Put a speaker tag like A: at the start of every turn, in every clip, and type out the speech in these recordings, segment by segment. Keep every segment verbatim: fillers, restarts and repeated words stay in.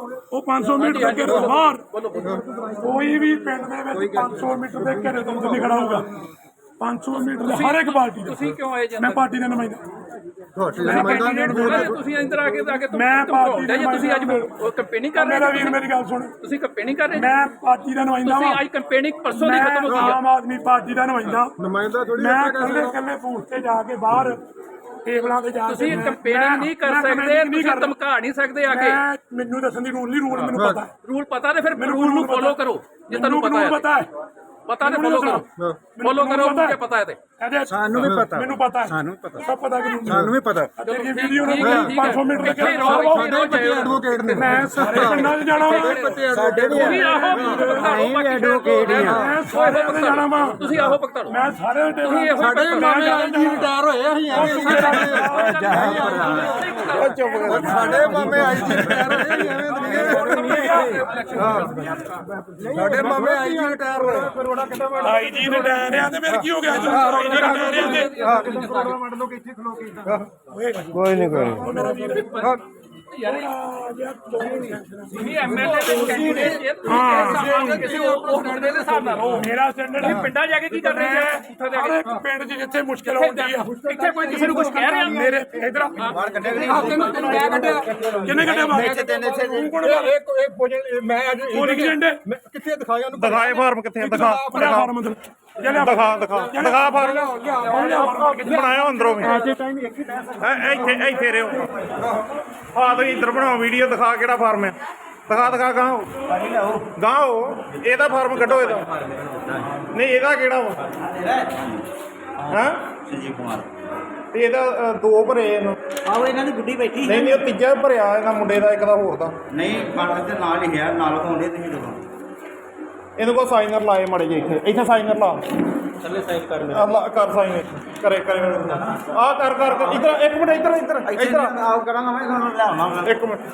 A: ਉਹ ਪੰਜ ਸੌ ਮੀਟਰ ਦੇ ਘੇਰੇ ਤੋਂ ਬਾਹਰ ਕੋਈ ਵੀ ਪਿੰਡ ਦੇ ਵਿੱਚ ਪੰਜ ਸੌ ਮੀਟਰ ਦੇ ਘੇਰੇ ਤੋਂ ਨਹੀਂ ਖੜਾ ਹੋਊਗਾ। ਪੰਜ ਸੌ ਮੀਟਰ ਦੇ ਹਰ ਇੱਕ ਪਾਰਟੀ
B: ਤੁਸੀਂ ਕਿਉਂ ਆਏ ਜੀ?
A: ਮੈਂ ਪਾਰਟੀ ਦਾ ਨੁਮਾਇੰਦਾ।
B: ਤੁਸੀਂ ਇੰਦਰ ਆ ਕੇ ਆ ਕੇ
A: ਮੈਂ ਪਾਰਟੀ ਦਾ
B: ਤੁਸੀਂ ਅੱਜ ਕੰਪੇਨਿੰਗ ਕਰ ਰਹੇ
A: ਮੇਰਾ ਵੀਰ ਮੇਰੀ ਗੱਲ ਸੁਣ,
B: ਤੁਸੀਂ ਕੰਪੇਨਿੰਗ ਕਰ ਰਹੇ
A: ਮੈਂ ਪਾਰਟੀ ਦਾ ਨੁਮਾਇੰਦਾ
B: ਤੁਸੀਂ ਅੱਜ ਕੰਪੇਨਿੰਗ ਪਰਸੋਂ ਦੀ ਖਤਮ ਹੋ ਗਈ
A: ਆਮ ਆਦਮੀ ਪਾਰਟੀ ਦਾ ਨੁਮਾਇੰਦਾ
C: ਨੁਮਾਇੰਦਾ ਥੋੜੀ
A: ਮੈਂ ਕੱਲੇ ਕੱਲੇ ਬੂਥ ਤੇ ਜਾ ਕੇ ਬਾਹਰ ਟੇਬਲਾਂ ਤੇ ਜਾ ਕੇ
B: ਤੁਸੀਂ ਕੰਪੇਨਿੰਗ ਨਹੀਂ ਕਰ ਸਕਦੇ, ਤੁਸੀਂ ਧਮਕਾ ਨਹੀਂ ਸਕਦੇ ਆ ਕੇ।
A: ਮੈਨੂੰ ਦੱਸਣ ਦੀ ਰੂਲ ਨਹੀਂ, ਰੂਲ ਮੈਨੂੰ ਪਤਾ
B: ਰੂਲ ਪਤਾ ਤੇ ਫਿਰ ਰੂਲ ਨੂੰ ਫੋਲੋ ਕਰੋ ਜੇ ਤੁਹਾਨੂੰ ਪਤਾ ਹੈ। ਪਤਾ ਤੇ ਫੋਲੋ ਕਰੋ, ਫੋਲੋ ਕਰੋ ਮੁझे ਪਤਾ ਹੈ ਤੇ
C: ਸਾਨੂੰ ਵੀ ਪਤਾ,
A: ਮੈਨੂੰ ਪਤਾ ਹੈ,
C: ਸਾਨੂੰ ਪਤਾ,
A: ਸਭ ਪਤਾ ਕਿ
C: ਸਾਨੂੰ ਵੀ ਪਤਾ।
A: ਤੇਰੀ ਵੀਡੀਓ ਨੂੰ ਪੰਜ ਸੌ ਮੀਟਰ ਦੇ
C: ਐਡਵੋਕੇਟ ਨੇ,
A: ਮੈਂ ਸਾਰੇ ਪਿੰਡਾਂ 'ਚ ਜਾਣਾ ਵਾ,
C: ਸਾਡੇ ਵੀ ਐਡਵੋਕੇਟ ਆ,
A: ਮੈਂ ਸਾਰੇ ਪਿੰਡ ਜਾਣਾ ਵਾ,
B: ਤੁਸੀਂ ਆਹੋ ਭਗਤਾ
A: ਮੈਂ ਸਾਰੇ
C: ਸਾਡੇ ਮਾਮੇ ਆਈ ਜੀ ਰਿਟਾਇਰ ਹੋਏ ਅਸੀਂ ਐਵੇਂ ਚੁੱਪ ਕਰ, ਸਾਡੇ ਮਾਮੇ ਆਈ ਜੀ ਰਿਟਾਇਰ ਹੋਏ ਸਾਡੇ ਮਾਮੇ ਆਈ ਜੀ ਰਿਟਾਇਰ ਹੋਏ।
A: ਆਈ ਜੀ ਰਿਟਾਇਰ ਆ ਤੇ ਫਿਰ ਕੀ ਹੋ ਗਿਆ ਜੀ? ਆਈ ਜੀ ਰਿਟਾਇਰ ਆ ਤੇ
C: ਕੋਈ ਨਹੀਂ ਕੋਈ ਨਹੀਂ
B: ਤੁਸੀਂ ਐਮਐਲਏ ਦੇ ਕੈਂਡੀਡੇਟ ਜੇ ਤੁਸੀਂ ਕਿਸੇ ਉਹ ਮੁੰਡੇ ਦੇ ਹਿਸਾਬ ਨਾਲ ਰਹੋ।
A: ਮੇਰਾ ਸਟੈਂਡਰਡ ਹੈ
B: ਪਿੰਡਾਂ ਜਾ ਕੇ ਕੀ ਕਰ ਰਹੇ ਜੀ?
A: ਹਰ ਇੱਕ ਪਿੰਡ 'ਚ ਜਿੱਥੇ ਮੁਸ਼ਕਲ ਆਉਂਦੀ ਆ
B: ਇੱਥੇ ਕੋਈ ਕਿਸੇ ਨੂੰ ਕੁਝ ਕਹਿ ਰਿਹਾ?
A: ਮੇਰੇ ਇਧਰ
B: ਮੈਂ ਕੱਢਿਆ
A: ਕਿੰਨੇ ਕੱਢਿਆ ਬਾਹਰ? ਤੂੰ ਕੋਣ
C: ਮੈਂ ਅੱਜ
A: ਕੋਲੀ ਝੰਡੇ
C: ਕਿੱਥੇ ਦਿਖਾਇਆ ਉਹਨੂੰ?
D: ਦਿਖਾਏ ਫਾਰਮ ਕਿੱਥੇ ਦਿਖਾ
A: ਫਾਰਮ ਅੰਦਰ
D: ਦਿਖਾ ਦਿਖਾ ਦਿਖਾ ਫਾਰਮ ਬਣਾਇਆ ਅੰਦਰੋਂ ਵੀ ਇੱਥੇ ਇੱਥੇ ਰਿਓ ਆ ਤੁਸੀਂ ਇੱਧਰ ਬਣਾਓ ਵੀਡੀਓ ਦਿਖਾ ਕਿਹੜਾ ਫਾਰਮ ਹੈ ਦਿਖਾ ਦਿਖਾ ਗਾਂ ਗਾਂ ਇਹਦਾ ਫਾਰਮ ਕੱਢੋ ਇਹਦਾ ਨਹੀਂ ਇਹਦਾ ਕਿਹੜਾ ਵਾ ਹਾਂ
E: ਸੰਜੀਵ ਕੁਮਾਰ
D: ਤੇ ਇਹਦਾ ਦੋ ਭਰੇ ਇਹਨੂੰ
E: ਆਹੋ ਇਹਨਾਂ ਦੀ ਗੁੱਡੀ ਬੈਠੀ
D: ਨਹੀਂ ਨਹੀਂ ਉਹ ਤੀਜਾ ਭਰਿਆ ਇਹਨਾਂ ਮੁੰਡੇ ਦਾ ਇੱਕ ਦਾ ਹੋਰ ਦਾ
E: ਨਹੀਂ ਬਾਰਡਰ ਦੇ ਨਾਲ ਹੀ ਹੈ ਨਾਲ ਹੋਣੇ ਤੁਸੀਂ ਦੇਖੋ
D: ਇਹਨੂੰ ਕੋ ਸਾਈਨਰ ਲਾਏ ਮੜੇ ਜੇ ਇੱਥੇ ਇੱਥੇ ਸਾਈਨਰ ਲਾ
E: ਥੱਲੇ ਸਾਈਨ ਕਰ
D: ਆ ਲਾ ਕਰ ਸਾਈਨ ਇੱਥੇ ਕਰੇ ਕਰੇ ਆ ਕਰ ਕਰ ਕਰ ਇੱਧਰ ਇੱਕ ਮਿੰਟ ਇੱਧਰ ਇੱਧਰ ਇੱਧਰ
E: ਆਉ ਕਰਾਂਗਾ ਮੈਂ ਤੁਹਾਨੂੰ ਲਿਆਵਾਂਗਾ
D: ਇੱਕ ਮਿੰਟ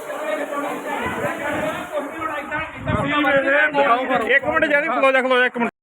D: ਇੱਕ ਮਿੰਟ ਜੈਦੀ ਖਲੋ ਜਾ ਖਲੋ ਜਾ ਇੱਕ ਮਿੰਟ